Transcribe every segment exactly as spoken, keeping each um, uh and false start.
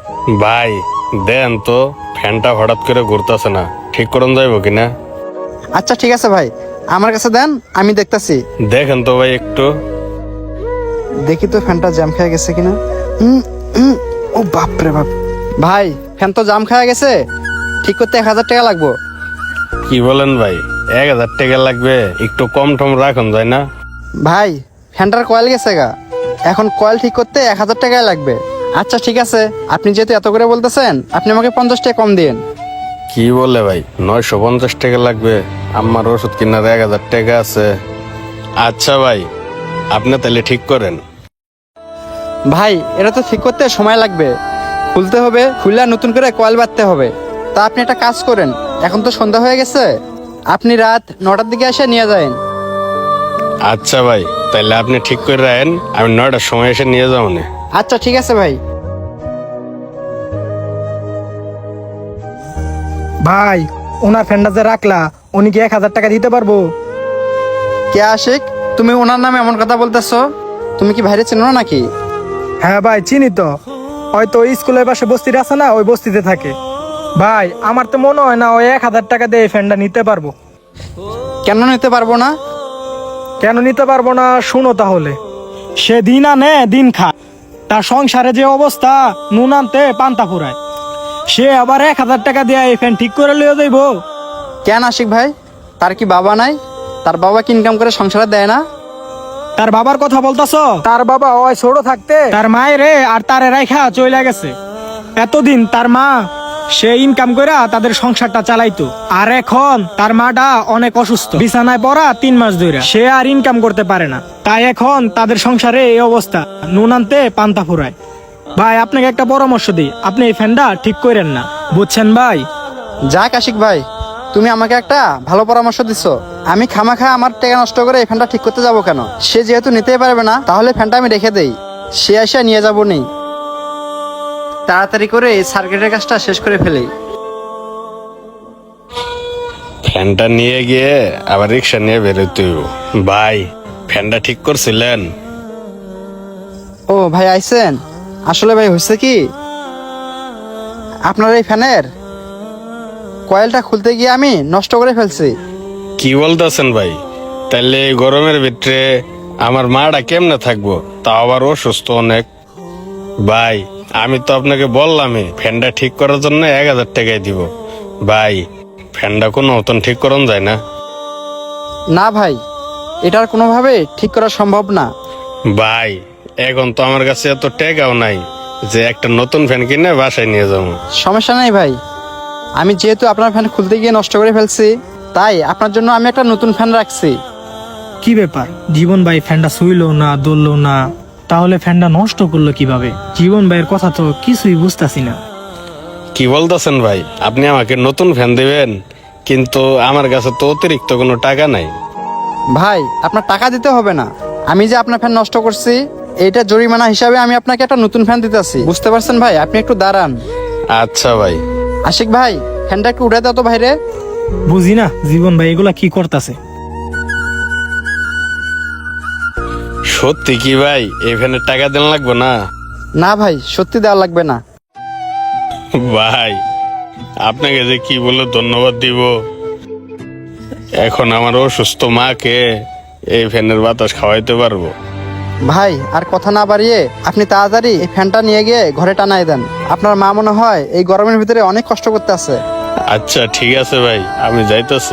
ভাই দেন তো, ফ্যানটা হঠাৎ করে ঘুরতেছে না, ঠিক করুন যাইব কিনা? আচ্ছা ঠিক আছে ভাই, আমার কাছে দেন, আমি দেখতাছি। দেখেন তো ভাই একটু। দেখি তো ফ্যানটা জ্যাম খেয়ে গেছে কিনা। উম, উম, ও বাপ রে বাপ, ভাই ফ্যান তো জাম খেয়ে গেছে, ঠিক করতে এক হাজার টাকা লাগবো। কি বলেন ভাই, এক হাজার টাকা লাগবে? একটু কম টম রাখুন, যায় না? ভাই ফ্যানটার কয়েল গেছে গা, এখন কয়েল ঠিক করতে এক হাজার টাকায় লাগবে। আচ্ছা ঠিক আছে, আপনি যেহেতু এত করে বলতেছেন, আপনি আমাকে পঞ্চাশ টাকা কম দিন। কি বলে ভাই, নয়শো পঞ্চাশ টাকা লাগবে? আমার ওষুধ কেনার এক হাজার টাকা আছে। আচ্ছা ভাই, আপনি তাহলে ঠিক করেন। ভাই এটা তো ঠিক করতে সময় লাগবে, খুলতে হবে, খুলে নতুন করে কয়েল বাঁধতে হবে। তা আপনি একটা কাজ করেন, এখন তো সন্ধ্যা হয়ে গেছে, আপনি রাত নটার দিকে এসে নিয়ে যাবেন। আচ্ছা ভাই, তাহলে আপনি ঠিক করে রাখেন, আমি নয়টার সময় এসে নিয়ে যাবো না। আচ্ছা ঠিক আছে ভাই। ভাই ওনার ফ্যানটা যে রাখলা, উনি কি এক হাজার টাকা দিতে পারবো? কে আশিক, তুমি ওনার নামে এমন কথা বলতেছো? তুমি কি ভাইরে চেনো নাকি? হ্যাঁ ভাই চিনি তো, হয়তো ওই স্কুলের পাশে বস্তিতে আছে না, ওই বস্তিতে থাকে। ভাই আমার তো মনে হয় না ওই এক হাজার টাকা দিয়ে এই ফ্যানটা নিতে পারবো। কেন নিতে পারবো না? কেন নিতে পারবো না শুনো তাহলে। সে দিন আনে দিন খা, তার সংসারে যে অবস্থা, নুন আনতে পান্তা ফুরায়, সে আবার এক হাজার টাকা দিয়ে এই ফ্যান ঠিক করে লিয়ে যাইবো? কেন আশিক ভাই, তার কি বাবা নাই? তার বাবা কি ইনকাম করে সংসারে দেয় না? তার বাবার কথা বলতাছ? তার বাবা ওই ছোট থাকতে তার মায়ের আর তারে রাইখা চলে গেছে। এতদিন তার মা সে ইনকাম কইরা তাদের সংসারটা চালাইতো, আর এখন তার মাটা অনেক অসুস্থ, বিছানায় পড়া তিন মাস ধরে, সে আর ইনকাম করতে পারে না। তাই এখন তাদের সংসারে এই অবস্থা, নুন আনতে পান্তা ফুরায়। ভাই আপনাকে একটা পরামর্শ দিই, আপনি এই ফ্যানটা ঠিক করেন না, বুঝছেন ভাই? যাক আশিক ভাই, তুমি আমাকে একটা ভালো পরামর্শ দিছো। আমি খামাখা আমার টাকা নষ্ট করে এই ফ্যানটা ঠিক করতে যাবো কেন? সে যেহেতু নিতেই পারবে না, তাহলে ফ্যানটা আমি রেখে দেই, সে এসে নিয়ে যাবো নি। তাড়াতাড়ি করে এই সার্কিটের কাজটা শেষ করে ফেলি। ফ্যানটা নিয়ে গিয়ে আবার রিক্সা নিয়ে বেরোতে হইব। ভাই ফ্যানটা ঠিক করছিলেন? ও ভাই আইছেন? আসলে ভাই হয়েছে কি, আপনার এই ফ্যানের কয়েলটা খুলতে গিয়ে আমি নষ্ট করে ফেলছি। কি বলতেছেন ভাই? তাহলে এই গরমের ভিতরে আমার মাটা কেমনে থাকবো, তা আবার অসুস্থ অনেক। ভাই আমি তো আপনাকে বললামই ফ্যানটা ঠিক করার জন্য এক হাজার টাকাই দিব। ভাই ফ্যানটা কোনো মতন ঠিক করন যায় না? না ভাই, এটার কোনোভাবে ঠিক করা সম্ভব না। ভাই এখন তো আমার কাছে এত টাকাও নাই যে একটা নতুন ফ্যান কিনে বাসায় নিয়ে যাবো। সমস্যা নেই ভাই, আমি যেহেতু আপনার ফ্যান খুলতে গিয়ে নষ্ট করে ফেলছি, তাই আপনার জন্য আমি একটা নতুন ফ্যান রাখছি। কি ব্যাপার, জীবন ভাই ফ্যানটা শুইলো না, দৌড়লো না, তাহলে ফ্যানটা নষ্ট করলো কিভাবে? জীবন ভাইয়ের কথা তো কিছুই বুঝতাছি না। কি বলতেছেন ভাই, আপনি আমাকে নতুন ফ্যান দিবেন, কিন্তু আমার কাছে তো অতিরিক্ত কোনো টাকা নাই। ভাই আপনার টাকা দিতে হবে না, আমি যে আপনার ফ্যান নষ্ট করছি এইটা জরিমানা হিসাবে আমি আপনাকে একটা নতুন ফ্যান দিতেছি, বুঝতে পারছেন ভাই? আপনি একটু দাঁড়ান। আচ্ছা ভাই। আশিক ভাই ফ্যানটা একটু উঠে দাও তো বাইরে। বুঝি না জীবন ভাই এগুলা কি করতেছে। সত্যি কি ভাই, এই ফ্যানের টাকা দেন লাগবে না? না ভাই, সত্যি দেওয়া লাগবে না। ভাই আপনাকে যে কি বলে ধন্যবাদ দিব, এখন আমার অসুস্থ মাকে এই ফ্যানের বাতাস খাওয়াইতে পারবো। ভাই আর কথা না বাড়িয়ে আপনি তাড়াতাড়ি এই ফ্যানটা নিয়ে গিয়ে ঘরে টানাই দেন, আপনার মা মনে হয় এই গরমের ভিতরে অনেক কষ্ট করতে আছে। আচ্ছা ঠিক আছে ভাই, আমি যাইতাছি।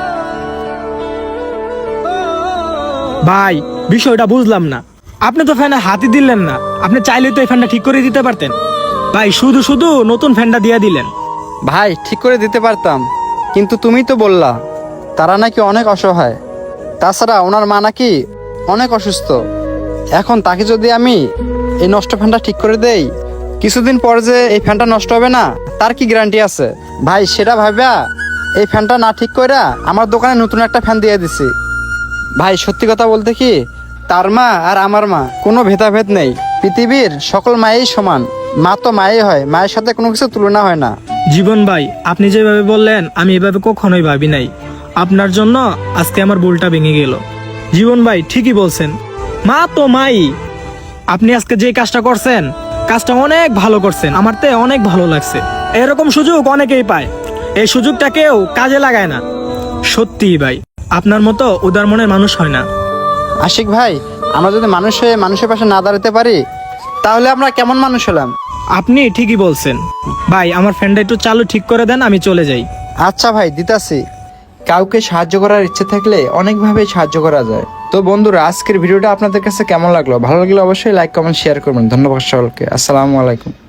ভাই বিষয়টা বুঝলাম না, আপনি তো ফ্যানে হাতই দিলেন না, আপনি চাইলে তো এই ফ্যানটা ঠিক করে দিতে পারতেন। ভাই শুধু শুধু নতুন ফ্যানটা দিয়ে দিলেন। ভাই ঠিক করে দিতে পারতাম, কিন্তু তুমি তো বললা তারা নাকি অনেক অসহায়, তাছাড়া ওনার মা নাকি অনেক অসুস্থ। এখন তাকে যদি আমি এই নষ্ট ফ্যানটা ঠিক করে দেই, কিছুদিন পর যে এই ফ্যানটা নষ্ট হবে না তার কি গ্যারান্টি আছে? ভাই সেটা ভাবিয়া এই ফ্যানটা না ঠিক কইরা আমার দোকানে নতুন একটা ফ্যান দিয়ে দিছি। ভাই সত্যি কথা বলতে কি, তার মা আর আমার মা কোনো ভেদাভেদ নেই, পৃথিবীর সকল মায়েই সমান, মা তো মায়েই হয়, মায়ের সাথে কোনো কিছু তুলনা হয় না। জীবন ভাই আপনি যেভাবে বললেন আমি এভাবে কখনোই ভাবি নাই, আপনার জন্য আজকে আমার ভুলটা ভেঙে গেল। জীবন ভাই ঠিকই বলছেন, মা তো মাই। আপনি আজকে যে কাজটা করছেন কাজটা অনেক ভালো করছেন, আমার তে অনেক ভালো লাগছে। এরকম সুযোগ অনেকেই পায়, এই সুযোগটা কেউ কাজে লাগায় না। সত্যি ভাই, আপনার মতো উদার মনের মানুষ হয় না। আশিক ভাই, আমরা যদি মানুষ হয়ে মানুষের পাশে না দাঁড়াতে পারি তাহলে আমরা কেমন মানুষ হলাম? আপনি ঠিকই বলছেন ভাই, আমার ফ্রেন্ডটা একটু চালু ঠিক করে দেন, আমি চলে যাই। আচ্ছা ভাই, দিতাছি। কাউকে সাহায্য করার ইচ্ছে থাকলে অনেকভাবেই সাহায্য করা যায়। তো বন্ধুরা, আজকের ভিডিওটা আপনাদের কাছে কেমন লাগলো? ভালো লাগলে অবশ্যই লাইক কমেন্ট শেয়ার করবেন। ধন্যবাদ সকলকে। আসসালামু আলাইকুম।